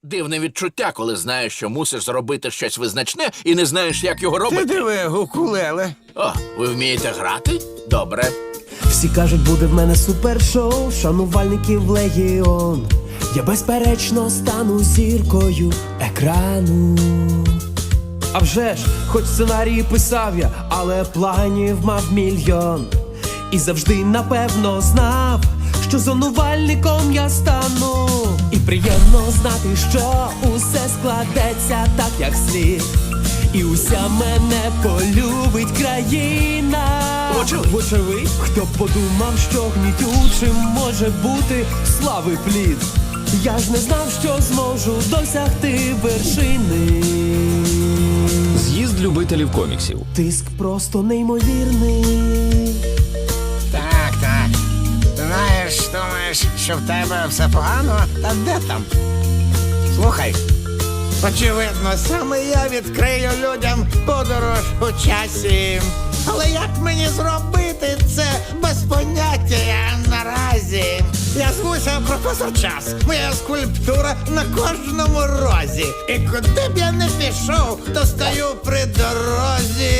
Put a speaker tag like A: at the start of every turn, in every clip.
A: Дивне відчуття, коли знаєш, що мусиш зробити щось визначне і не знаєш, як його
B: Ти
A: робити.
B: диви, укулеле.
A: О, ви вмієте грати? Добре.
C: Всі кажуть, буде в мене супершоу, шанувальників легіон. Я безперечно стану зіркою екрану. А вже ж, хоч сценарії писав я, але планів мав мільйон. І завжди напевно знав, що зонувальником я стану. І приємно знати, що усе складеться так, як слід. І уся мене полюбить країна. Вочевидь, хто б подумав, що гнітючим може бути слави плід. Я ж не знав, що зможу досягти вершини.
D: З'їзд любителів коміксів.
C: Тиск просто неймовірний.
B: Так, так. Знаєш, думаєш, що в тебе все погано? Та де там? Слухай. Очевидно, саме я відкрию людям подорож у часі. Але як мені зробити це без поняття наразі? Я звуся професор Час, моя скульптура на кожному розі. І куди б я не пішов, то стою при дорозі.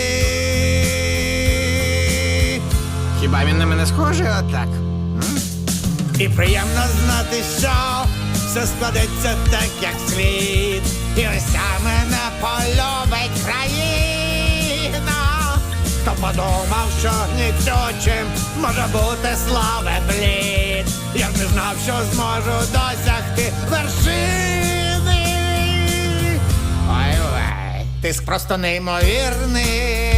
B: Хіба він на мене схожий отак? І приємно знати, що все складеться так, як слід. І уся мене полюбить країна. Хто подумав, що нічочим може бути слави блід. Я не знав, що зможу досягти вершини. Ой-ой, тиск просто неймовірний.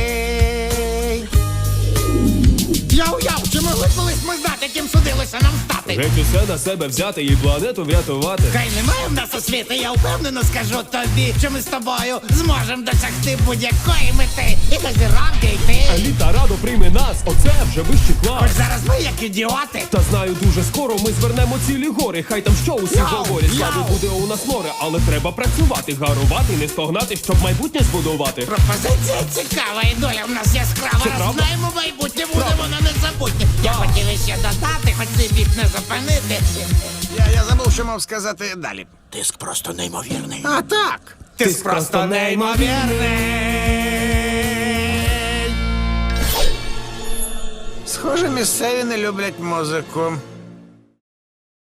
B: Я уяв, чи могли колись ми знати, яким судилося нам стати?
C: Геть усе на себе взяти і планету врятувати.
B: Хай немає в нас освіти, я впевнено скажу тобі, що ми з тобою зможемо досягти будь-якої мети. І до зірок дійти.
C: Еліта радо прийме нас, оце вже вищий клас.
B: Хоч зараз ми як ідіоти.
C: Та знаю, дуже скоро ми звернемо цілі гори. Хай там що усі
B: Йоу,
C: говорять. Слави
B: йоу.
C: буде у нас море, але треба працювати, гарувати, не стогнати, щоб майбутнє збудувати.
B: Пропозиція цікава, і доля в нас яскрава.
C: Це
B: Раз
C: правда?
B: знаємо майбутнє, буде воно незабутнє. Я хотів іще додати, хоч цей біт не зупинити. Я забув, що мав сказати далі.
A: Тиск просто неймовірний.
B: А так, тиск просто неймовірний. Схоже, місцеві не люблять музику.